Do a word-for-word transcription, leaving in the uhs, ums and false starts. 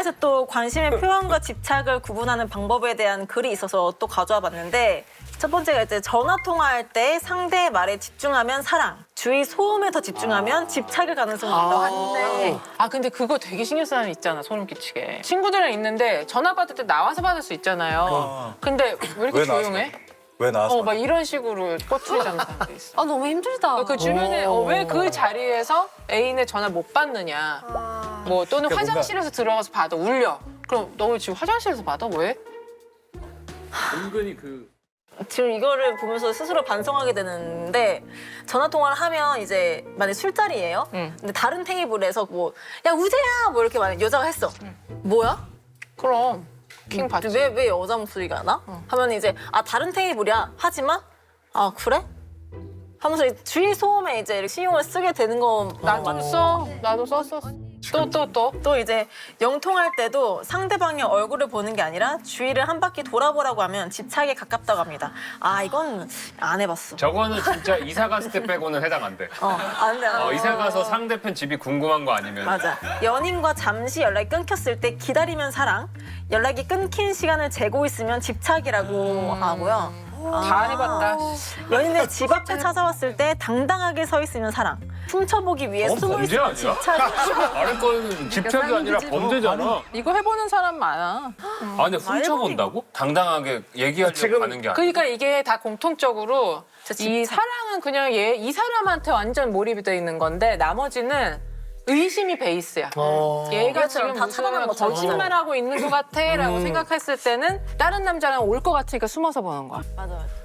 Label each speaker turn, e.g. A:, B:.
A: 인터넷에 또 관심의 표현과 집착을 구분하는 방법에 대한 글이 있어서 또 가져와 봤는데 첫 번째가 이제 전화 통화할 때 상대의 말에 집중하면 사랑, 주위 소음에 더 집중하면 집착일 가능성이 있다고 하는데
B: 아 근데 그거 되게 신경 쓰는 사람 있잖아, 소름 끼치게. 친구들이랑 있는데 전화 받을 때 나와서 받을 수 있잖아요.
C: 어.
B: 근데 왜 이렇게
C: 왜 나와서
B: 조용해?
C: 왜 나와서?
B: 어, 막 이런 식으로 꼬투리 잡는 사람도 있어.
D: 아 너무 힘들다.
B: 그 주변에 어, 왜 그 자리에서 애인의 전화 못 받느냐. 뭐 또는
C: 그러니까
B: 화장실에서 들어가서 받아, 울려. 그럼 너 지금 화장실에서 받아? 왜?
E: 은근히 그
A: 지금 이거를 보면서 스스로 반성하게 되는데 전화 통화를 하면 이제 만약 술자리예요.
B: 응.
A: 근데 다른 테이블에서 뭐 야 우재야 뭐 이렇게 만약 여자가 했어. 뭐야?
B: 그럼 킹 받지.
A: 왜 왜 여자 목소리가 나? 하면 이제 아 다른 테이블이야. 하지만 아 그래? 하면서 이제 주위 소음에 이제 이렇게 신경을 쓰게 되는 거
B: 나도 써. 나도 썼었어. 또 또 또.
A: 또 이제 영통할 때도 상대방의 얼굴을 보는 게 아니라 주위를 한 바퀴 돌아보라고 하면 집착에 가깝다고 합니다. 아 이건 안 해봤어.
E: 저거는 진짜 이사 갔을 때 빼고는 해당 안 돼.
A: 어, 안 돼. 안 돼.
E: 어, 이사 가서 상대편 집이 궁금한 거 아니면
A: 맞아. 연인과 잠시 연락이 끊겼을 때 기다리면 사랑, 연락이 끊긴 시간을 재고 있으면 집착이라고 하고요.
B: 다 해봤다.
A: 연인의 집 앞에 찾아왔을 때 당당하게 서 있으면 사랑, 훔쳐보기 위해
E: 그건
A: 숨어
E: 범죄
A: 있으면
E: 아니야?
A: 집착.
E: 아래 거는 집착이 아니라 범죄잖아.
B: 이거 해보는 사람 많아.
E: 아 근데 훔쳐본다고? 당당하게 얘기하려고
C: 지금-
E: 가는 게 아니야.
B: 그러니까 이게 다 공통적으로
A: 진짜
B: 이 사랑은 그냥 얘 이 사람한테 완전 몰입이 돼 있는 건데 나머지는 의심이 베이스야. 얘가
A: 이것처럼
B: 지금
A: 다 차단한
B: 무슨
A: 것처럼.
B: 거짓말하고 있는 것 같아라고 생각했을 때는 다른 남자랑 올 것 같으니까 숨어서 보는 거야.
A: 맞아, 맞아.